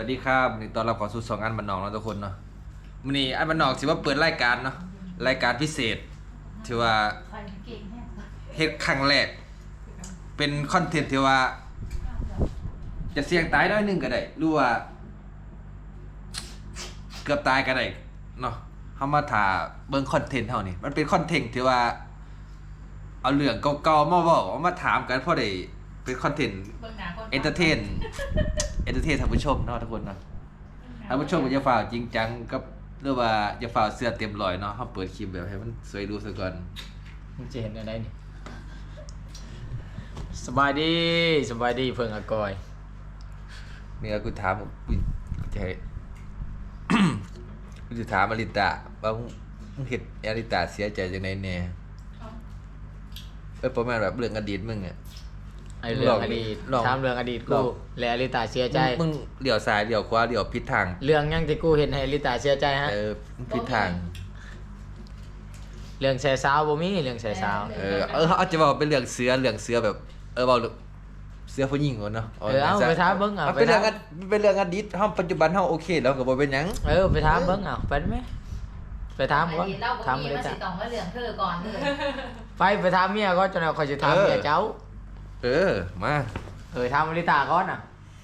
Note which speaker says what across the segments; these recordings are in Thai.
Speaker 1: วัสดีครับนี่ตอนรับเข้าสู่2อันบันนอกเนาะทุกคนเนาะมื้อนี้อันบันนอกสิว่าเปิดรายการเนาะรายการพิเศษที่ว่าเฮ็ดครั้งแรกเป็นคอนเทนต์ที่ว่าจะเสี่ยงตายน้อยหนึงก็ได้หรือว่าเกือบตายก็ได้เนาะเฮามาถ่าเบิ่งคอนเทนต์เฮานี่มันเป็นคอนเทนต์ที่ว่าเอาเรื่องเก่าๆมาเว้ามาถามกันพอได้เป็นคอนเทนต์เอนเตอร์เทนท่านผู้ชมเนาะทุกคนเนาะท่านผู้ชมก็จะฝ่าจริงจังกับหรือว่าจะฝ่าเสื้อเต็มร้อยเนาะเฮาเปิดคลิปแบบให้มันสวยดูซะก่อน
Speaker 2: มึงจะเห็นอะไรนี่สบายดีเพิ่งอากอย
Speaker 1: นี่ก็กูถามกูจะให้ กูจะถามอลิตาว่ามึงเฮ็ดอลิตาเสียใจจังได๋แน่ประมาณแบบเรื่องอดีตมึงอ่ะ
Speaker 2: ไอเรื่องอดีต
Speaker 1: ลอง
Speaker 2: ถามเรื่องอดีต
Speaker 1: ล
Speaker 2: กู
Speaker 1: อง
Speaker 2: และอลิตาเสียใจ
Speaker 1: มึงเลี้ยวซ้ายเลี้ยวขวาเลี้ยวผิดทาง
Speaker 2: เรื่องยังที่กูเห็นให้อลิตาเสียใจฮะ
Speaker 1: มึงผิดทาง
Speaker 2: เรื่องแซ่สาวบ่มีเรื่องแซ่สาว
Speaker 1: เขาจะบอกเป็นเรื่องเสือแบบเบาเสือผู้หญิงก่อนเนาะ
Speaker 2: เอาไปถามเบิ่งเอา
Speaker 1: มัน
Speaker 2: ไป
Speaker 1: เป็นเรื่
Speaker 2: ถา
Speaker 1: อง
Speaker 2: ม
Speaker 1: เป็นเรื่องอดีตเฮาปัจจุบันเฮาโอเคแล้วก็บ่เป็นหยัง
Speaker 2: ไปถามเบิ่งเอาไปไหมไปถามก่อน
Speaker 3: เรา
Speaker 2: ถาม
Speaker 3: มี
Speaker 2: อลิ
Speaker 3: มา
Speaker 2: ตา
Speaker 3: สิต้องมาเรื่องเธอก่อนเลย
Speaker 2: ไปถามเมียก่อนจนเขาจะถามเมียเจ้า
Speaker 1: มา
Speaker 2: ถามอลิตาก่อนน่ะ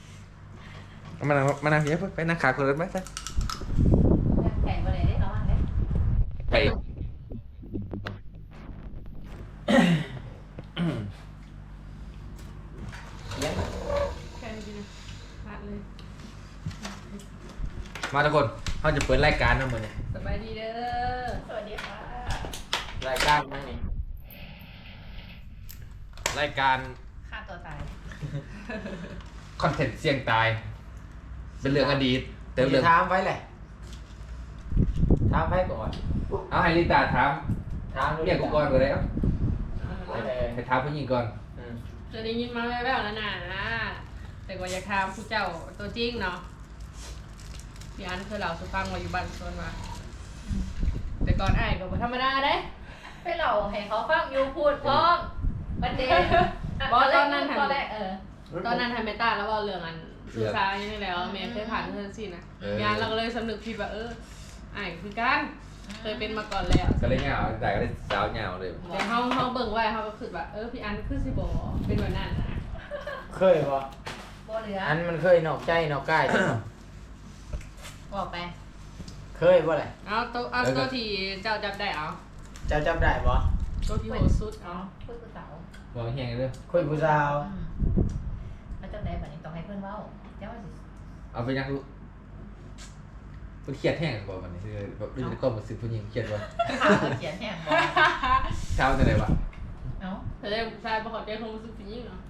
Speaker 1: มานั่งเดี๋ยวไปนั่งขาคนรถไหมซะ
Speaker 3: แข่งไปเลยได้ระวังเลย
Speaker 1: ไปมาทุกคนเฮาจะเปิดรายการเนาะมื้อนี้
Speaker 3: สบายดีเด้อสวัสดีค่ะ
Speaker 2: รายการนั่นนี่
Speaker 1: รายการ
Speaker 3: ฆ่าตัวตาย
Speaker 1: คอนเทนต์เสี่ยงตาย เป็นเรื่องอดีตแต่
Speaker 2: จะ
Speaker 1: เรื่อง
Speaker 2: ถามไปเลยถามไปก่อน
Speaker 1: เอาให้ลิตาถาม
Speaker 2: ถาม
Speaker 1: เรียกกูก่อนก็ได้เอา
Speaker 2: ไปเลย
Speaker 1: ให้ถามผู้หญิงก่อน
Speaker 4: จะได้ยินมาแว่วๆแล้วนะแต่ก็อยากถามผู้เจ้าตัวจริงเนาะพี่อันเคยเล่าสุฟังว่าอยู่บ้านสวนมาแต่ก่อนอ้ายก็บ่ธรรมดาเด้
Speaker 3: ไปเล่าให้เขาฟังอยู่พูดพร้อมประเด็นตอนแรก
Speaker 4: ตอนนั้นทำเมตาแล้วว่าเรื่องอันสื่อสารยังไงแล้วแม่เคยผ่านเรื่องสินะงานเราก็เลยสำนึกผิดว่าอ้ายคือกันเคยเป็นมาก่อนแล้ว
Speaker 1: ก็เลยเหงาแต่ก็เลยสาวเหงาเลย
Speaker 4: แต่เฮาเบิ่งไว้เฮาก็คือว่าพี่อันคือสิบ่เป็นแบบนั้นนะ
Speaker 2: เคยปะ
Speaker 3: บ่เหลือ
Speaker 2: อันมันเคยนอกใจนอกกายใช่ปะ
Speaker 3: บอกไป
Speaker 2: เคยปะเลย
Speaker 4: เอาตัวที่เจ้าจับได้เอา
Speaker 2: เจ้าจำได้ปะ
Speaker 4: ตัวที่โหดสุดเอา
Speaker 3: คุยกับสาว
Speaker 1: บอกแห้งเลย
Speaker 2: คุยผู้สาว
Speaker 3: แล้วจำได้แบบนี้ต้องให้เพื่อนเว้าเจ้าว่าสิ
Speaker 1: เอาไปยังรู้มันเครียดแห้งบอกมันนี่คือแบบรู้จักก็มาซื้อผู้หญิงเครียดว่า
Speaker 3: ข่าวเขียนแห้งบอก
Speaker 1: เช้าจะไหนวะ
Speaker 3: เนาะ
Speaker 4: แต่ได้ผู้ชายประกอบใจคงรู้สึกผิดยิ่งเนาะ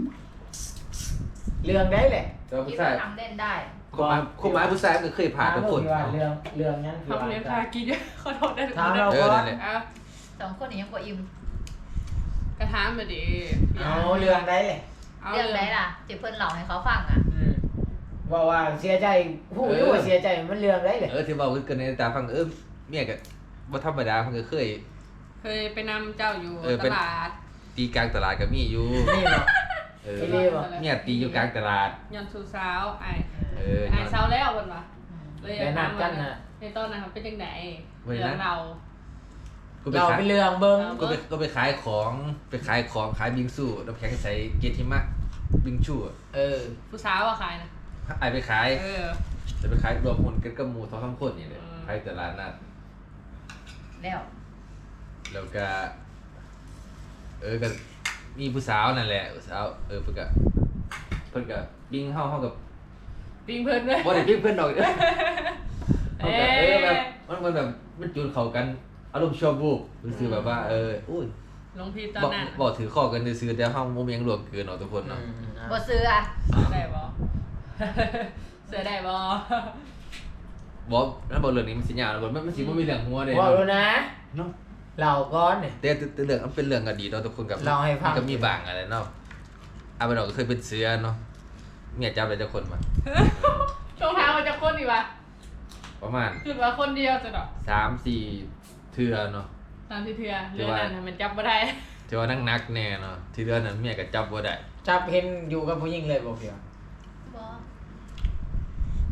Speaker 2: เรื่องได้เลย
Speaker 1: แต่ว่า
Speaker 3: คิ
Speaker 1: ผู้
Speaker 3: ด
Speaker 1: ชา
Speaker 3: ว่าย ทำเล่นได้
Speaker 1: คนหมายผู้ชายมันเคยผ่านทุกคน
Speaker 2: เรื่องนั้นคือ
Speaker 4: ทำเลี้ยงคากินขอโทษได้ทุก
Speaker 2: ถาม
Speaker 4: คน
Speaker 2: เรา
Speaker 1: เออ
Speaker 2: ก่อ
Speaker 1: นั่
Speaker 2: น
Speaker 1: นแหละ
Speaker 4: เอา
Speaker 3: สองคนนี้ยังกว่าอิ่ม
Speaker 4: กระทามมาดิ
Speaker 2: เอาเรื่องได้เลย
Speaker 3: เรื่องไหนล่ะที่เพื่อนเล่าให้เขาฟังอ่ะ
Speaker 2: ว่าเสียใจผู้รู้ว่าเสียใจมันเรื่องได้เลย
Speaker 1: ที่บอกคือกันในตาฟังเมียกับว่าธรรมดามันก็เคย
Speaker 4: เคยไปนำเจ้าอยู่ตลาด
Speaker 1: ตีกลางตลาดกับมีอยู่
Speaker 2: นี่เนาะ
Speaker 1: เมียตีอยู่กลางตลาด
Speaker 4: ยันสู่สาวไอ้
Speaker 1: น
Speaker 4: ไอ้
Speaker 1: อน
Speaker 4: สาวแล้วคนวะเลย
Speaker 2: แนะนำกันนะ
Speaker 4: ในตอนนั้นเป็นจังไหน
Speaker 1: เว้ยนะ
Speaker 4: เรื่องเรา
Speaker 1: กูไป
Speaker 2: เรา
Speaker 1: ขาย
Speaker 2: เป็นเรื่องเบิ้ง
Speaker 1: ก็ไปขายของขายบิงซูน้ำแข็งใส่เกล็ดหิมะบิงชู
Speaker 4: ผู้สาวอะใครนะ
Speaker 1: ไอไปขาย
Speaker 4: เออ
Speaker 1: จะไปขายรวมคนกันกับหมูท้องทั้งคนนี่เลยขายตลาดนัด
Speaker 3: แล้ว
Speaker 1: แล้วก็ก็มีผู้สาวนั่นแหละผู้สาวเพิ่นก็บิงเฮากับ
Speaker 4: ปิงเพิ่นด้วย
Speaker 1: บ่ได้บิงเพิ่นดอกเฮา
Speaker 4: เอ๊
Speaker 1: ก็แบบ
Speaker 4: ะ
Speaker 1: มันแบบมันจูนเข้ากันอารมณ์ชั่ววูบซื่อแบบว่าอุ้ย
Speaker 4: ลงพีตอนนั้น
Speaker 1: บอกถือข้อกันซื่อแต่เฮาบ่มีหยังรวมเกินเนาะทุกคนเนาะ
Speaker 3: บ่ซื้ออ่ะ
Speaker 4: เสือได้บ่ เสือได้บ่
Speaker 1: บอกนั่นบอกเรื่องนี้มันสิยาวนะบอกมันสิบ่มีเรื่องหัวเด้
Speaker 2: ว่ารู้นะ
Speaker 1: เนาะ
Speaker 2: เราก้อนเนี่ย
Speaker 1: แต่เรื่องมันเป็นเรื่องอดีตเนาะทุกคนกับ
Speaker 2: เล่าให้ฟัง
Speaker 1: มันก็มีบางอะไรเนาะอาไปดอกก็เคยเป็นเสือเนาะเมียจับได้จักคนมา
Speaker 4: ช่วงเท้ามันจะคนดีวะ
Speaker 1: ประมาณ
Speaker 4: คือว่าคนเดียวจะดอก
Speaker 1: 3-4 เทื่อเนาะ
Speaker 4: ตามที่เทือเรื่องนั้นน่ะมันจับบ่ได้
Speaker 1: ที่ว่านักๆแน่เนาะที่เรื่องนั้นเมียก็จับบ่ได้
Speaker 2: จับเห็นอยู่กับผู้หญิงเลยบอกเพียง
Speaker 3: บ่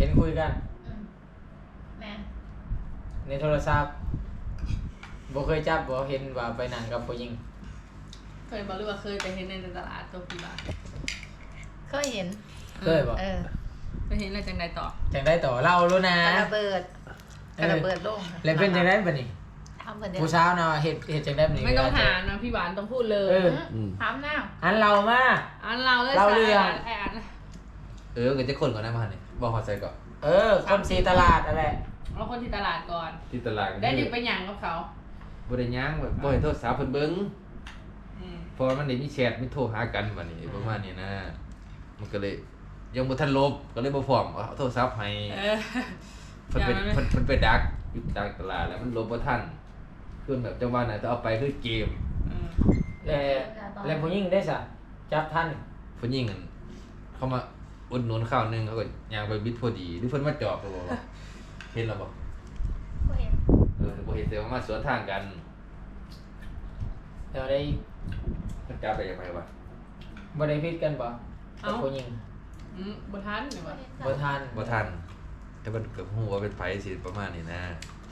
Speaker 2: ห็นคุยกัน
Speaker 3: แม่
Speaker 2: ในโทรศัพท์บ่เคยจับบ่เห็นว่าไปนั่งกับผู้หญิง
Speaker 4: เคยบอกหรือว่าเคยไปเห็นในตลาดตัวกี่บาท
Speaker 3: เคยเห็น
Speaker 2: เคยบ่
Speaker 4: ไปเห็นอะไรจังใดต่อ
Speaker 2: จังได้ต่อเล่ารู้นะ
Speaker 3: กระเบิดลง
Speaker 2: แล้วเป็นจังได้บัดนี้
Speaker 3: ทำเพิ่นเดียว
Speaker 2: ผู้สาวน่ะเฮ็ดจังได้บัดนี้
Speaker 4: ไม่ต้องหานะพี่หวานต้องพูดเลย
Speaker 3: ถามหน้า
Speaker 2: อันเรามา
Speaker 4: อันเราเลย
Speaker 2: เราเรื่อง
Speaker 4: ไอ้อัน
Speaker 1: เงินจะคนก่อนนะมาเนี่ยบอกขอใจก่อน
Speaker 2: คนสีตลาดนั่นแหละ
Speaker 4: เราคนที่ตลาดก่อน
Speaker 1: ที่ตลาด
Speaker 4: ได้อยู่ไปหยังกับเขา
Speaker 1: บ่ได้ย่างแบบบ่เห็นโทรศัพท์เพิ่นเบิ่ง
Speaker 4: อืม
Speaker 1: พอมันได้มีแชทมีโทรหากันบัดนี้ประมาณนี้นะ มันก็เลยยังบ่ทันลบก็เลยบ่พร้อมเอาโทรศัพท์ให้
Speaker 4: เออ
Speaker 1: เพิ่นไปดักอยู่กลางตลาดแล้วมันลบบ่ทันคือแบบจังหวะนั้นจะเอาไปคือเกม
Speaker 4: อืม
Speaker 2: แล้วผู้หญิงได้ซะจับทัน
Speaker 1: ผู้หญิงนั่นเขามาอุดหนุนข้าวหนึงเขาก็ย่างไปบิดพอดีหรือเพิ่นมาจอบก็บ่ว่าเห็นแล้วบ่
Speaker 3: ก็เห็น
Speaker 1: บ่เห็นแต่ว่ามาสวนทางกัน
Speaker 2: แล้วได้
Speaker 1: มันจับไปยังไงวะ
Speaker 2: บ่ได้ผิดกันบ่กับผู้หญิง
Speaker 4: บ่ทันเนี่ยวะ
Speaker 2: บ่ทัน
Speaker 1: บ่ทันแต่มันก็ฮู้ว่าเป็นไผสิประมาณนี้นะ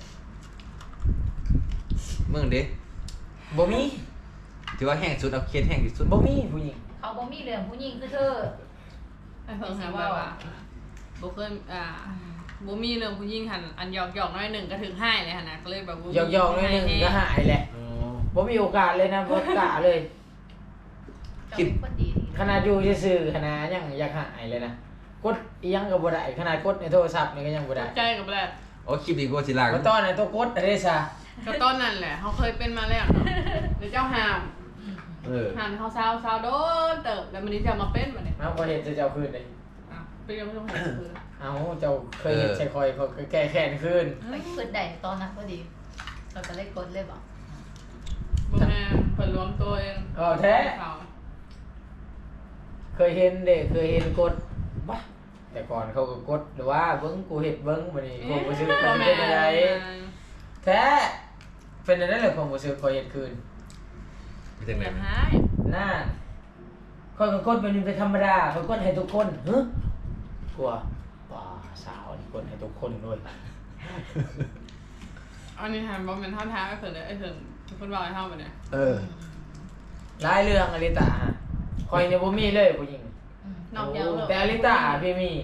Speaker 1: มึงเด้
Speaker 2: บ่มี
Speaker 1: ถือว่าแห้งสุดเอาเคสแห้งที่สุด
Speaker 2: บ่มีผู้หญิง
Speaker 3: เขาบ่มีเรื่องผู้หญิงคือเธอ
Speaker 4: ไอ้เพิ่งหาว่าบ่เคยบ่มีเรื่องผู้หญิงหันอันหยอกน้อยหนึ่งก็ถึงให้เลยหั่นน่ะก็เลยแบบบ่มี
Speaker 2: หยอกๆหน่อยหนึงก็หายแหละ
Speaker 1: อ๋อ
Speaker 2: บ่มีโอกาสเลยนะบ่กล้าเลย
Speaker 3: เจ้าเป็นคนดี
Speaker 2: ขนาดอยู่ซื่อๆขนาดยังอยากหายเลยนะกดอีหยังก็บ่ได้ขนาดกดในโทรศัพท์นี่ก็ยังบ่ได้
Speaker 4: ใจกับแหละ
Speaker 1: โอ้คลิปนี้กูสิลาก
Speaker 2: ก็ตอนนั้นตัวกดได้ซะ
Speaker 4: ก็ตอนนั้นแหละเขาเคยเป็นมาแล้วเนาะเดี๋ยวเจ้าห้าม ห้ามเขาเศร้าโดนเติบแล้วมันนี้จะมาเป็นมาเนี่ย
Speaker 2: เอาบ่เห็นจะเจ้าคืนเลย
Speaker 4: เป็นยังไม่ต้องหาคือ
Speaker 2: เอาเจ้าเคยเห็นใส่คอยเขาก็แก้แค้นคืน
Speaker 3: ไปเปิดได้ตอนนั้นพอดี เราก็เลยกดเลยบอก
Speaker 4: บ่แม่เพิ่นรวมตัวเอง
Speaker 2: เอาแท้
Speaker 4: เขา
Speaker 2: เคยเห็นเด้เคยเห็นกดบ้าแต่ก่อนเขาก็กดหรือว่าเบิ้งกูเห็ดเบิ้งวันนี้ผมก็ซื้อ
Speaker 4: บ่
Speaker 2: มัน
Speaker 4: แม่
Speaker 2: เป็นอะไรแท้เป็นอะไรเลยผมก็ซื้อคอยเห็ดคืน
Speaker 1: มีจัง
Speaker 4: อ
Speaker 1: ได๋
Speaker 4: ย่าหาย
Speaker 2: น่าคอยก็กดเป็นเป็นธรรมดาเขากดให้ทุกคนฮึกลัวว้าสาวนี่กดให้ทุกคนด้วย
Speaker 4: อันนี้หันบ่แม่นท่าท้าไอ้เพิ่นเลยไอ้เพิ่นทุกคนบอกให้เฮาบ่เนี่ย
Speaker 2: หลายเรื่องอลิตาคอยเนี่ยบ่มีเลยผู้หญิง
Speaker 4: นอกจากเรื่อง
Speaker 2: แต่อลิตาพี่มี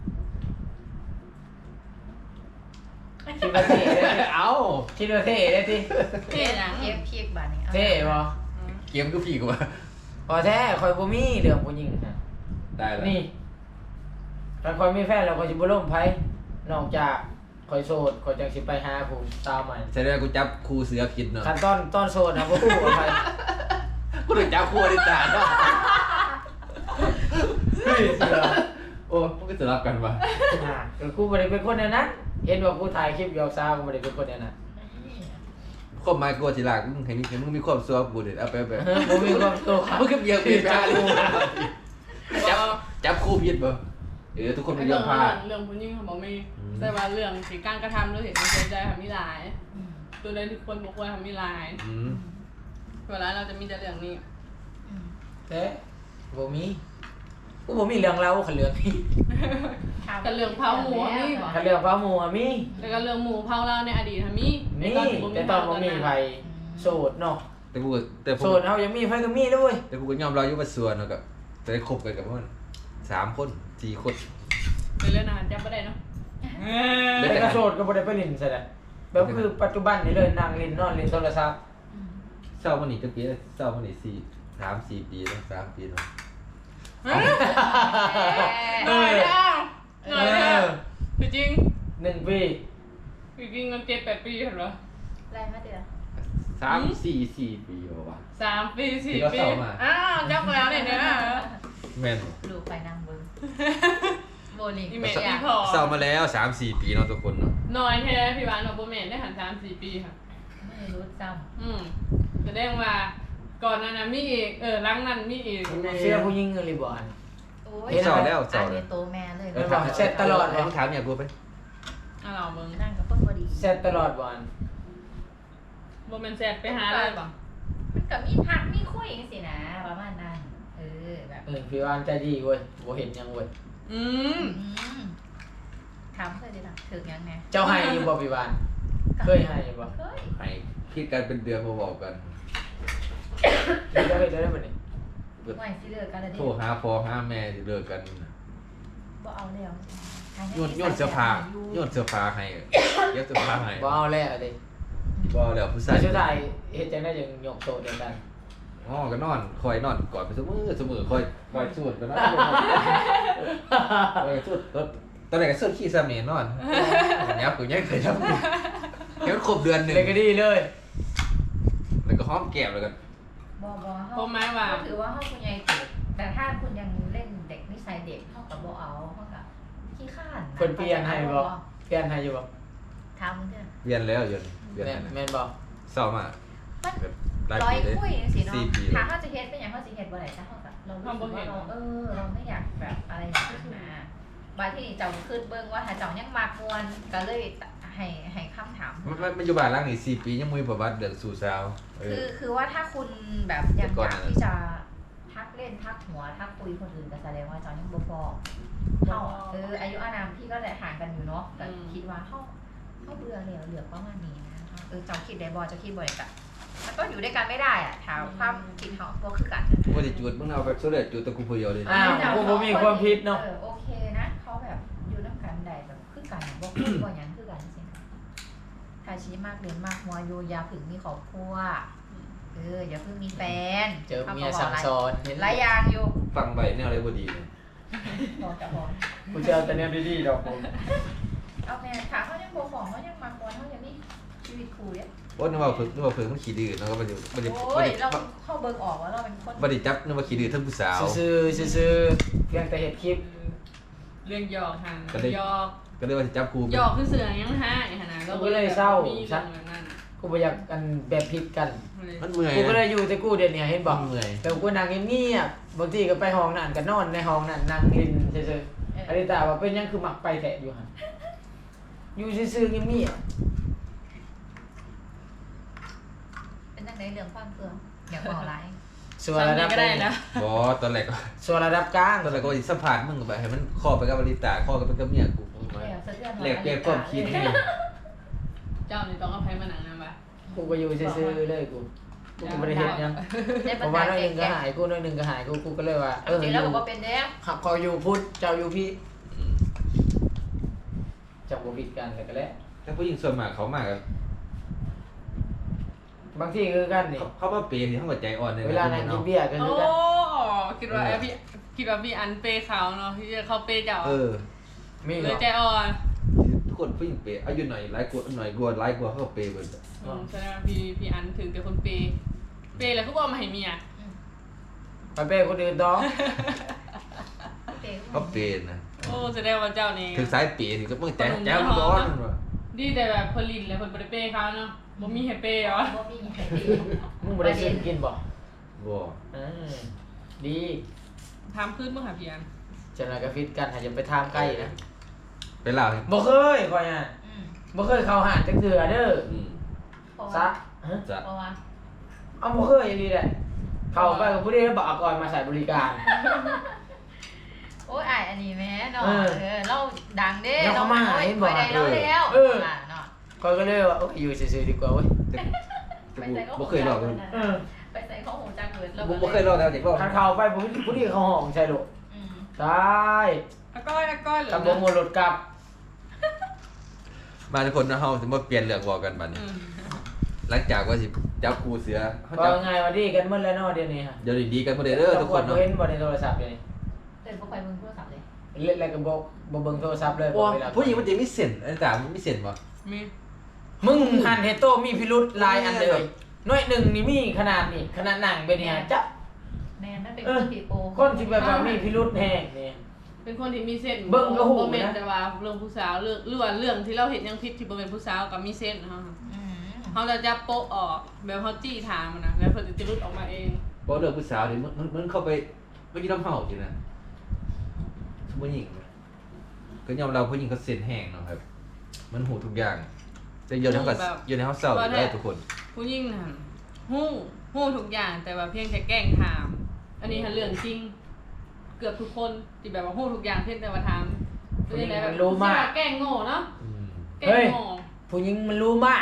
Speaker 2: คิดว่าเท่ได้สิ
Speaker 1: เอ้า
Speaker 2: คิดว่าเท่ได้สิ
Speaker 4: เท่หยัง
Speaker 3: เก็บพีกบาดนี้
Speaker 2: เท่บ่
Speaker 1: เกมก็พี่กูว่า
Speaker 2: พอแท้คอยบ่มีเรื่องผู้หญิงนะ
Speaker 1: ได้แล้ว
Speaker 2: นี่ถ้าคอยมีแฟนแล้วคอยสิบ่ล่มไผนอกจากคอยโสดคอยจังสิไปหาผู้สาวใหม่
Speaker 1: แสดงว่ากูจับคู่เสือผิดเนาะ
Speaker 2: ขั้นตอนโสดนะบ่ฮู้ว่าไผ
Speaker 1: กูต้องจับคู่อดิตาเนาะ
Speaker 2: เฮ้ยเสือ
Speaker 1: โอ้มันก็สลับกันว่ะ
Speaker 2: ก็กูบ่ได้เป็นคนแนวนั้นเห็นว่ากูถ่ายคลิปหยอกสาวกูบ่ได้เป็นคนแนวนั้น
Speaker 1: ความหมายกูสิลากมึงให้มึงมีความสัวกูเด้เอาไป
Speaker 2: บ่มีความตัว
Speaker 1: มึงก็เบียร์ผิดกันจับคู่ผิดบ่ทุกคนไม่ยอมพลาด
Speaker 4: เรื่องผู้หญิงเขาบอกมีแต่ว่าเรื่องสิการกระทำหรือเหตุไม่เสียใจทำมีหลาย ตัวใดที่คนบ่ควรทำมีหลายเวลาเราจะมีแต่เรื่องนี้
Speaker 2: แต่บ่มีกูบ่มีเรื่องเล่าคันเรื่องนี้
Speaker 4: แต่เรื่องเผาหมูมีบ่
Speaker 2: คันเรื่องฟ้าหมู่อะมี
Speaker 4: แล้วก็เรื่องหมูเผาเราในอดีตมี
Speaker 2: มีแต่ตอนบ่มีไผโสดเนาะ
Speaker 1: แต่กูผม
Speaker 2: โสดเฮายังมีไผก็มีเลย
Speaker 1: แต่กูก็ยอมรับอยู่ว่าส่วนเนาะก็จะได้คบกันกับมัน3 คน4 คน
Speaker 4: เป็นเรื่องอาหารจับไม่ได้เนาะ
Speaker 2: แต่ก็โสดก็บ่ได้ไปเล่นซะแล้วแบบคือปัจจุบันนี่เลยนั่งเล่นนอนเล่นโทรศัพท์
Speaker 1: เศร้ามันนี่จะปีแล้วเศร้ามันนี่3-4 ปีแล้ว3 ปีแล้ว
Speaker 4: หน่อยเดียวหน่อยเดียวคือจริง
Speaker 2: 1 ปี
Speaker 4: คือจริงมัน7-8 ปีเห็นปะ
Speaker 3: ไรมาเดือ
Speaker 1: 3-4 ปีบ่วะ
Speaker 4: 3 ปี4
Speaker 1: ที่เรา
Speaker 4: ปี
Speaker 1: เศร้ามา
Speaker 4: อ้าวจับแล้วเนี่ยนะ
Speaker 1: แม่น
Speaker 3: ดูไปนางเบิ้งโบลิ่ง
Speaker 4: อีเมลอีพอ
Speaker 1: เศร้ามาแล้ว3-4 ปีเนาะทุกคนเนาะ
Speaker 4: หน่อยแท้พี่บ้านเราโปรเมนได้หัน3-4 ปีค่ะ
Speaker 3: ไม่รู้จ
Speaker 4: แสดงว่าก่อนนั้นมีอีกหลังนั้นมีอีก
Speaker 2: เสื้อผู้หญิงหรือบ่อัน
Speaker 3: ำโอ้ย
Speaker 1: เศร้าแล้ว
Speaker 3: อั
Speaker 1: เศร้าน แล้
Speaker 3: นี้
Speaker 1: ว
Speaker 3: โตแม่เลย
Speaker 2: เออบอกเช็ดตลอด
Speaker 1: ให้มึงถามเนี่ยกูไป
Speaker 4: เราเบิ่ง
Speaker 3: นั่งกับเพิ่นพอดี
Speaker 2: เซ็ตตลอดบ่อัน
Speaker 4: โมเมนต์แซดไปหาอะไรบ่
Speaker 3: มันกับมีพักมีคุยจังสินะประมาณนั้นแบบ
Speaker 2: พี่วานใจดีเว้ยบ่เห็นหยังเว้ย
Speaker 4: อืม
Speaker 3: อืมถามเคยดีนะถึงยังไง
Speaker 2: เจ้าให้อยู่บ่พี่บานเคยให้อยู่บ่
Speaker 3: เคย
Speaker 1: ให้คิดกันเป็นเดือนมาบอกกัน
Speaker 2: เดี๋ยวเฮ็ดได้บ่นี่
Speaker 3: ไม่สิเลิกกันแล้วดิ
Speaker 1: โทรหาพ่อหาแม่สิเลิกกัน
Speaker 3: บ่เอาแล้ว
Speaker 1: โยนเสื้อผ้าโยนเสื้อผ้าให้เย็บเสื้อผ้าให้
Speaker 2: บ่เอาแล้วเด้
Speaker 1: บ่แล้วผู้ชา
Speaker 2: ใส่
Speaker 1: ย
Speaker 2: ชุดไทยเฮ็ดจังได๋จังยกโต๊ะเดียวกัน
Speaker 1: อ๋อก็นอนคอยนอนกอดไปเสมอคอยสูดกันนะคอยสูดตอนแรกก็สูดขี้ซาเมนนอนยับกูยังเคยทำเดี๋ยวครบเดือนหนึง
Speaker 2: เลยก็ดีเลย
Speaker 1: แล้วก็หอมแก้มแล้วกัน
Speaker 3: บ่
Speaker 4: ผมหมายว่า
Speaker 3: ถือว่าเฮาคุณยายเด็กแต่ถ้าคุณยังเล่นเด็กนิสัยเด็กเฮากับบ่เอาเฮากับขี้ข้าน
Speaker 2: เพิ่นเปลี่ยนให้บ่เปลี่ยนให้อยู่บ่
Speaker 3: ถามมึงเด้อ
Speaker 1: เรียนแล้วเรียน
Speaker 2: แม่นบ่
Speaker 1: เศร้ามาก
Speaker 3: มัน
Speaker 1: แบบหลาย
Speaker 3: ร้อย
Speaker 1: ปีเลย
Speaker 3: คุยจังซี่เนาะ
Speaker 1: 4 ปี
Speaker 3: ถ้าเฮาจะเฮ็ดเป็นหยังเฮาสิเฮ็ดบ่ได้ถ้าเฮาแบบเรารู้สึกว่าเราไม่อยากแบบอะไรอย่างนั้นนะบางที่เจ้าขึ้นเบิ่งว่าถ้าเจ้ายังมักมวนก็เลยให้คำถาม
Speaker 1: มันอยู่บ้านหลังนี้4 ปียังบ่มีประวัติเดือดสู่สาว
Speaker 3: คือว่าถ้าคุณแบบยัง
Speaker 1: แต่ก่
Speaker 3: อ
Speaker 1: อน
Speaker 3: ยาก
Speaker 1: น่ะ
Speaker 3: ที่จะทักเล่นทักหัวทักคุยคนอื่นก็แสดงว่าเจ้ายังบ่พอเท่าอายุอานามพี่ก็ห่างกันอยู่เนาะแต่คิดว่าเขาเบื่อแล้วเหลือประมาณนี้นะเจ้าคิดได้บ่เจ้าคิดบ่ได้กะมันก็อยู่ด้วยกันไม่ได้อะถามความคิดเขาบ่คือกัน
Speaker 1: บ่ได้จุดมึงเอาแบบสุดเลยจุดตะกูผู้เดียวเลย
Speaker 2: อ้าวกูบ่มีความผิดเนาะ
Speaker 3: โอเคนะเขาแบบอยู่นำกันได้แบบคือกันบ่คุยบ่หยังคือกันจังซี่นะถ้าชี้มากเรียนมากมัวอยู่อย่าถึงมีครอบครัวอย่าเพิ่งมีแฟน
Speaker 2: เจอเมียสั่งสอนเห็น
Speaker 3: หลายอย่างอยู่
Speaker 1: ฟังไปแนวอะไรบ่ดีเลย
Speaker 3: บอกจะบอก
Speaker 2: กูจะเอาแต่แนวดีๆดอกผม
Speaker 3: เอาแม่ขาเขายังบ่ของเขายังมากวนเขายังมีชีวิตคู่เนี่ย
Speaker 1: ว่านึกว่าเพิ่งมันขี้ดื้อเนาะก็บ่ได้
Speaker 3: โอ้ยเราเข้าเบิ่งออกว่าเราเป็นคน
Speaker 1: บ่ได้จับนึกว่าขี้ดื้อทั้งผู้สาว
Speaker 2: ซื่อๆซื่อๆเพียงแต่เฮ็ดคลิป
Speaker 4: เรื่องหยอกหัน
Speaker 1: ก็ได้
Speaker 4: หยอก
Speaker 1: ก็เลยว่าสิจับกู
Speaker 4: หยอกคือเสือยังหาไอ้หั่นน่ะ
Speaker 2: กูก็เลยเศร้า
Speaker 4: มีเรื่องแบบนั้น
Speaker 2: กูบ่อยากกันแบบผิดกัน
Speaker 1: มันเมื่อย
Speaker 2: กูก็เลยอยู่แต่กูเดี๋ยวนี้เห็นบ่
Speaker 1: มันเมื่อย
Speaker 2: แต่กูนั่งเงียบๆบางทีก็ไปห้องนั่นก็นอนในห้องนั่นนั่งลิ้นซื่อๆอริตาว่าเป็นหยังคือมักไปแท้อยู่หั่นอยู่ซื่อๆเงียบ
Speaker 3: เป็นจังไดเรื่องความเฟืองอยากบอกอะไร
Speaker 2: ๆส่วนระดับ
Speaker 4: ก็ได้นะ
Speaker 1: บ่ตอนแรกก็
Speaker 2: ส่วนระดับกลาง
Speaker 1: ตอนแรกก็ว่าสิสัมภาษณ์มึงก็ไปให้มันข้อไปกับบริตาข้อก็ไปกับเมียกูมา
Speaker 3: แล้วสะเทือน
Speaker 1: แลกเปลี่ยนความคิดให้
Speaker 4: เจ้านี่ต้องเอาไผมาหนังนะบ่ะ
Speaker 2: กูก็อยู่ซื่อๆเลยกูก็บ่ได้เฮ็ดหยัง
Speaker 3: ได้
Speaker 2: เพ
Speaker 3: ปัญ
Speaker 2: ราะว่า
Speaker 3: หา
Speaker 2: น้อยห
Speaker 3: แก่
Speaker 2: นึงก็หายกูน้อยหนึงก็หายกูก็เลยว่า
Speaker 3: จริงแล้วบอกว่าเป็นเด้อ
Speaker 2: ขับเขาอยู่พุทธเจ้าอยู่พี่
Speaker 1: อืม
Speaker 2: จับบ่ผิดกันแล้วก็แล้ว
Speaker 1: แต่ผู้หญิงส่วนมากเขามากอะ
Speaker 2: บางทีคือกันนี่
Speaker 1: เขามาเปย์ที่เขาก็ใจอ่อนเลย
Speaker 2: เวลานั่งกินเบียร์ก็
Speaker 4: โอ้
Speaker 2: คือกัน
Speaker 4: คิดว่าพี่อันเปย์เขาเนาะที่เขาเปย์เจ้า
Speaker 2: มี
Speaker 4: เล
Speaker 2: เหร
Speaker 4: ย
Speaker 2: อ
Speaker 4: ใจอ่อน
Speaker 1: ทุกคนผู้หญิงเปย์อายุหน่อยหลายกว่าหน่อยกว่าหลายกว่าเขาก็เปย์เบิด
Speaker 4: แสดงว่าพี่อันถึงเป็นคนเปย์แล้วเขาบอกมาให้เมีย
Speaker 2: ไปเป้คนอื่นต่อ
Speaker 1: เขาเปย์นะ
Speaker 4: โอ้แสดงว่าเจ้านี่
Speaker 1: ถึงสายเปย์ถึงก็มึงแจ๋วร้อนว่ะ
Speaker 4: ดีแต่แบบผลิตแล้วผลบริเปย์เขาเนาะบ่มีให้เปย์เหรอ
Speaker 3: บ่มีใครดี
Speaker 2: มึงบ่ได้ซื้อกินบ่
Speaker 1: บ่
Speaker 2: อืมดี
Speaker 4: ทำขึ้นเมื่อหาพี่อัน
Speaker 2: จังได๋ก็ฟิตกันหาอย่าไปทามใกล้นะ
Speaker 1: ไปเล่าให้
Speaker 2: บ่เคยข่อยอ่ะบ่เคยเข้าหาดจักเทื่อเด้อ
Speaker 1: อืม
Speaker 2: ซะฮะ
Speaker 1: จะ
Speaker 3: เพราะว่า
Speaker 2: เอาบ่เคยอีหลีแหละเข้าไปกับผู้ใดแล้วบ่เอาก่อนมาใส่บริการ
Speaker 3: โอ้ยอ้ายอันนี้แม่เนาะ
Speaker 2: เออ
Speaker 3: เราดังเด้
Speaker 2: แล้วเขามาหาเห็นบ่
Speaker 3: ไปได้เราแล้ว
Speaker 2: เออ
Speaker 3: เนาะ
Speaker 2: ข่อยก็เลยว่าโอ้ยอยู่ซื่อๆดีกว่าเว้ย
Speaker 3: ไปใส่ก็
Speaker 1: บ่เคยเล่าเลย
Speaker 2: เออ
Speaker 3: ไปใส่ข้อหูจังเลย
Speaker 1: บ่เคยเล่าแล้วเด็กเล่า
Speaker 2: คันเข้าไปผู้ที่เขาห้องใช่ลูก
Speaker 3: อืม
Speaker 2: ตาย
Speaker 4: อาก้อยเหรอ
Speaker 2: ตำบ่หมดรถกลับ
Speaker 1: มาทุกคนนะเฮาสิมาเปลี่ยนเรื่องบอกกันบัดนี้หลังจากว่าสิจับกูเสือเขา
Speaker 2: ว่า
Speaker 1: จับ
Speaker 2: ไงว่าดีกันหมดแล้วเนาะเดี๋ยวนี้ฮะ
Speaker 1: เดี๋ยวดีกันบ่ได้เด้อทุกคน
Speaker 2: บ่
Speaker 1: เนาะ
Speaker 2: เห็นบ่ในโทรศัพท์เดี๋ยวนี้
Speaker 3: เดินบ่ค่อยเบิ่งโทรศัพท์เลย
Speaker 2: เล่นอะไรก็บ่เบิ่งโทรศัพท์เลย
Speaker 1: โอ้
Speaker 2: บ่เวลา
Speaker 1: ผู้หญิงมันจะมีเส้นอันตามันมีเส้นบ่
Speaker 4: มี
Speaker 2: มึงหันเฮโตมีพิรุธหลายอันเลยน้อยหนึ่งนี่มีขนาดนี่ขนาดหนังเป็นนี่ฮะจ๊ะ
Speaker 3: แม่นั่นเป็นคนผีโป
Speaker 2: คนที่แบบว่ามีพิรุธแฮงนี่
Speaker 4: เป็นคนที่มีเส้น
Speaker 2: เบิ่งก็หูนะ
Speaker 4: บ่แม่นแต่ว่าเรื่องผู้สาวเรื่องที่เราเห็นยังผิดที่บ่เป็นผู้สาวกับมีเส้นเฮา
Speaker 3: อืม
Speaker 4: เฮาจะจับโป๊ะออกแบบเฮาจี้ถามมันนะแล้วเพิ่นจะรุดออกมาเอง
Speaker 1: บ่เลิกผู้สาวนี่มันเข้าไปไม่กินน้ำเฮาสินะผู้หญิงนะก็ยอมเราผู้หญิงเขาเส้นแห้งเนาะครับ มันหูทุกอย่างจะอยู่ในเฮาก็อยู่ในเฮาเศร้าอยู่ได้ทุกคน
Speaker 4: ผู้หญิงน่ะฮู้ทุกอย่างแต่ว่าเพียงแค่แกล้งถาม อันนี้คือเรื่องจริง เกือบทุกคนที่แบบว่าฮู้ทุกอย่างเพียงแต่ว่าถาม
Speaker 2: ผู้หญิงมันรู้มาก
Speaker 4: แกล้งโง่เนาะ
Speaker 1: อืม
Speaker 4: แกล้
Speaker 2: เฮ้ย
Speaker 4: งโง่
Speaker 2: ผู้หญิงมันรู้มาก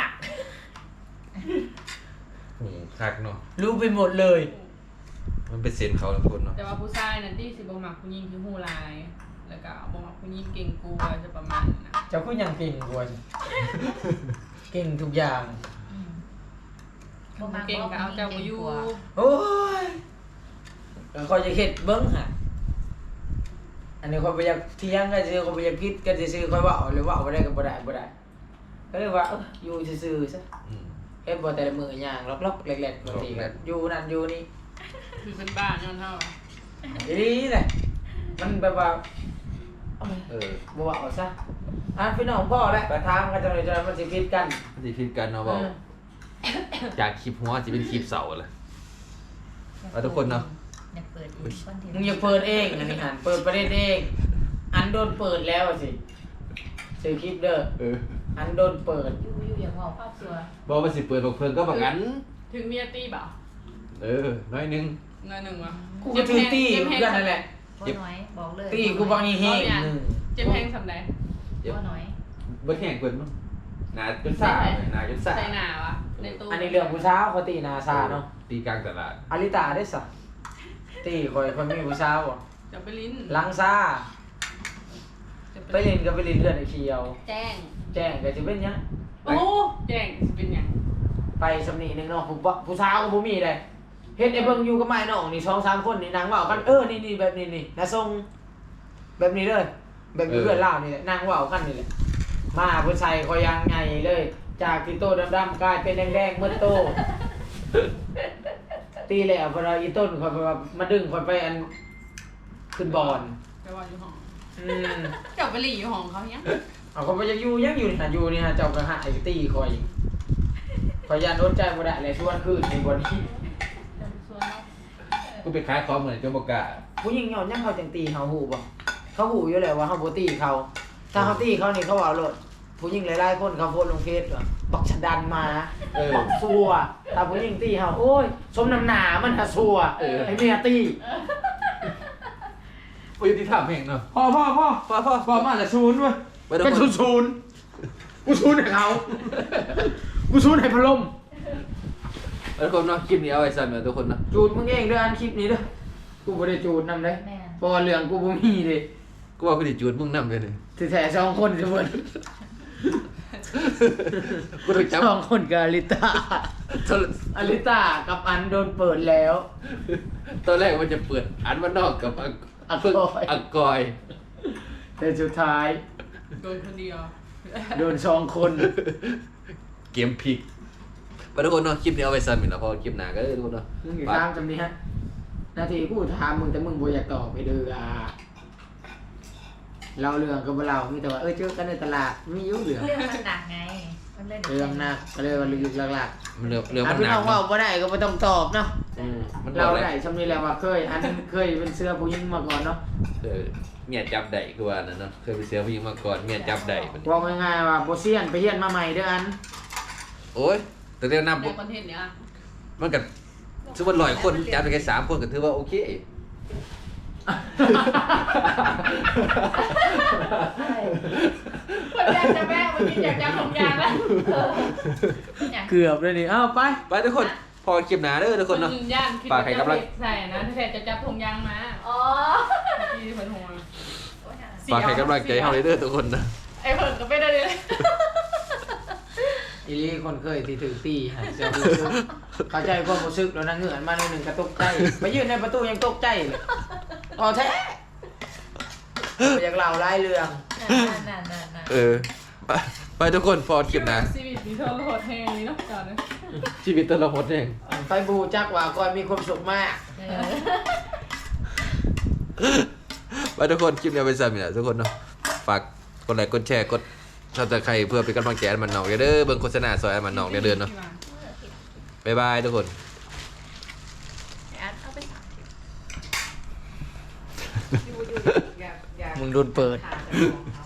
Speaker 1: คักเนาะ
Speaker 2: รู้ไปหมดเลย
Speaker 1: มันเป็นเซนเขาทุกคนเนาะ
Speaker 4: แต่ว่าผู้ชายนั่นที่สิบ่มักผู้หญิงที่ฮู้หลายแล้วก็บ่มักผู้หญิงเก่งกลัวจะประมาณนั้นนะ
Speaker 2: เจ้าก็ยังเก่งกว่าเก่งทุกอย่าง
Speaker 3: อืม
Speaker 4: เก่งก็เอาเจ้าบ่อยู่
Speaker 2: โอ้ยแล้วคอยจะเฮ็ดเบิ้งฮะอันนี้คอยไปอยากเที่ยงก็ซื้อคอยไปอยากคิดก็ซื้อคอยเว่าหรือเว่าบ่ได้ก็บ่ได้ก็เลยว่าอยู่ซื่อๆซะ
Speaker 1: อืม
Speaker 2: เฮ็ดบ่แต่ละมื้อย่างล็อกๆแหลกๆบางทีก็อยู่นั่นอยู่นี่
Speaker 4: คือเป็นบ้าย้อนเฮาอะ
Speaker 2: อีนี่แหละมันแบบว่า
Speaker 1: เออ
Speaker 2: บ่เว่าซะพี่น้องพ่อแหละไปถามกันจังได๋จังมันสิคิดกัน
Speaker 1: มันสิคิดกันเนาะบอกจากคลิปหัวสิเป็นคลิปเสาเลย เอาทุกคนเนาะ
Speaker 3: อยากเปิดอีกคอนเทนต์
Speaker 2: มึงอย่าเปิดเองอันนี้หันเปิดประเด็นเองอันโดนเปิดแล้วอะสิซื้อคลิปเด้อ
Speaker 1: เออ
Speaker 3: อันโดนเปิดอยู่อย่างว่าภาพสวย
Speaker 1: บอกว่าสิเปิดบอกเพิ่นก็บอกงั้น
Speaker 4: ถึงเมียตีบ่า
Speaker 1: เออ น้อยหนึง
Speaker 4: เงินหนึ่งวะ
Speaker 2: กูก็ถือตี้เหมือนกันนั่นแหละ
Speaker 3: ว่าน้อยบอกเลย
Speaker 2: ตี้กูบางอีเฮงหนึ่ง
Speaker 4: เจ็บแพงสำใด
Speaker 3: ว่าน้อย
Speaker 1: บ่แข่งเพิ่นมั้งหนาจนซ่าเลยหนาจนซ่า
Speaker 4: ใส่หนาวะในตู้
Speaker 2: อันนี้เรื่องผู้สาวเขาตีนาซาเนาะ
Speaker 1: ตีกลางตลาด
Speaker 2: อาริตาได้สะตีคอยมีผู้สาวอ่ะ
Speaker 4: จะไปลิ้น
Speaker 2: ลังซา
Speaker 4: จะ
Speaker 2: ไปเล่นก็ไปเล่นเลือดไอ้เคียว
Speaker 4: แจ้ง
Speaker 2: แจ้งก็จะเป็นหยัง
Speaker 4: โอ้แจ้งสิเป็นหยัง
Speaker 2: ไปสำนีหนึงเนาะผู้สาวก็บ่มีเลยเฮ็ดไอ้เบิ่งอยู่กับไม้น้องนี่2-3คนนี่นางเว้ากันนี่แบบนี้นี่นะทรงแบบนี้เลยแบบอยู่เพื่อนเล่านี่แหละนางเว้ากันนี่แหละมาเพิ่นใส่คอยยังไงเลย จากที่โตดำๆกลายเป็นแดงๆเมื่อโต ตีแล้วพอเราอีต้นคอยไปว่ามาดึงคอยไปอันขึ้นบอล
Speaker 4: ไปว่าอยู่ห้อง
Speaker 2: อืม
Speaker 4: เจ้าไปหลีอยู่ห้องเขาเนี้ย
Speaker 2: เอาเขาไปยังอยู่นี่ฮะเจ้ากระหายตีคอยยันโดนใจบ่ได้เลยชวนคืนในวันนี้
Speaker 4: ส่วนเรา
Speaker 1: กูไปขายของเหมือนจนบ่กล้า
Speaker 2: ผู้หญิงยอมยังเขาจังตีเขาหูบ่เขาหูอยู่แล้วว่าเขาบ่ตีเขา ถ้าเขาตีเขานี่เขาเอาโลดผู้หญิงหลายๆคนเขาโพสต์ลงเฟซว่าบักฉันดันมา
Speaker 1: เออ
Speaker 2: บักซัวถ้าผู้หญิงตีเขาโอ้ยสมน้ำหนามันหะซัวไอ้เมียตี
Speaker 1: บ่ยุติธรรมแม่งเนาะ
Speaker 2: พ่อมาจากศูนย์เว้ย
Speaker 1: ไปทุก
Speaker 2: เป็น
Speaker 1: คน
Speaker 2: ศูนย์กูศูนย์ให้เขากูศูนย์ให้พะลม
Speaker 1: ไปทุกคนเนาะคลิปนี้เอาไว้สั่นเนาะทุกคนเนาะ
Speaker 2: จูดมึงเองเด้ออันคลิปนี้เด้อกูบ่ได้จูดนำเด้
Speaker 3: แม่
Speaker 2: เพราะว่าเรื่องกูบ่มีเด้
Speaker 1: กูว่ากูสิจูดมึงนำเลยนี่
Speaker 2: สิแท้2คนสิเพิ่น
Speaker 1: กูต้องจับ
Speaker 2: 2คนกับอลิตาอลิตากับอันโดนเปิดแล้ว
Speaker 1: ตอนแรกมันจะเปิดอันมันนอกกับอักกอย
Speaker 2: แต่สุดท้าย
Speaker 4: โดนคนเดียว
Speaker 2: โดน2คน
Speaker 1: เกมพลิกไปทุกคนเนาะคลิปนี้เอาไว้สั่นเนาะเพอคลิปหน้าก็ทุกคนเนาะ
Speaker 2: มึงสิถามจำนี้ฮะนาทีกูถามมึงแต่มึงบ่อยากตอบไปเด้อเราเรื่องก็บ่เล่ามีแต่ว่าเจอกันในตลาดมีอยู่เรื่อง
Speaker 3: เรื่องมันหนักไงมันเลย
Speaker 2: เรื่องหนักก็เลยว่าลึกๆหลัก
Speaker 1: มันเรื่อง
Speaker 2: ๆ
Speaker 1: มัน
Speaker 2: พี่
Speaker 1: หนั
Speaker 2: น้
Speaker 1: ก
Speaker 2: องเว้าบ่ได้ก็บ่ต้องตอบเนาะ
Speaker 1: มัน
Speaker 2: เรา
Speaker 1: เรา
Speaker 2: ได้ชำนี้แล้วว่าเคยเป็นเสื้อผู้หญิงมาก่อนเนาะ
Speaker 1: เมียจับได้คือว่านั่นเนาะเคยไปเสียผู้หญิงมาก่อนเมียจับได้มัน
Speaker 2: ว่าง่ายๆว่าบ่เซียนไปเฮียนมาใหม่เด้ออัน
Speaker 1: โอ้ยแต่เดี๋ยวนับ
Speaker 4: ในคอนเทนต์เนี้ย
Speaker 1: มันก็สมมุติ100คนจับไปแค่3คนก็ถือว่าโอเค
Speaker 4: คนอยากจะแม่วันนี้อยากจะของยางแล้ว
Speaker 2: เกือบเลยนี่ไป
Speaker 1: ไปทุกคนพอคลิปหน้าเด้อทุกคนเนาะ
Speaker 4: ย่านคิด
Speaker 1: ฝากให้กำลัง
Speaker 4: ใส่นะถ้าจะจับธงยางมา
Speaker 3: อ๋อ
Speaker 4: ที่เพิ่นหัว
Speaker 1: ฝากให้กำลังใจเฮาเลยเด้อทุกคนนะ
Speaker 4: ไอ้เพิ่นก็ไม่ได้เลย
Speaker 2: อีลี่คนเคยที่ถือตีฮะเสียรู้สึกเข้าใจความรู้สึกแล้วนะเหงื่อนมาในหนึ่งกระตกใจไปยืนในประตูยังตกใจเลยอ๋อแท้อยากเล่าหลายเรื่อง
Speaker 3: นั่น
Speaker 1: ไปทุกคนพอคลิปหน้า
Speaker 4: ชีวิตมีโทษโหดแฮงนี่เนาะจอดเลย
Speaker 1: ชีวิตแต่ละคนเอง
Speaker 2: ไปบูจักว่าก่อนมีความสุขมาก
Speaker 1: ไปทุกคนคลิปนี้เอาไปสั่นนี่แหละทุกคนเนาะฝากกดไลค์กดแชร์กดSubscribeเพื่อเป็นกำลังใจให้มันน้องเด้อเบิ่งโฆษณาซอยให้มันน้องเด้อเนาะบ๊ายบายทุกคน
Speaker 3: เอาไปสาม
Speaker 2: มึงโดนเปิด
Speaker 3: ขา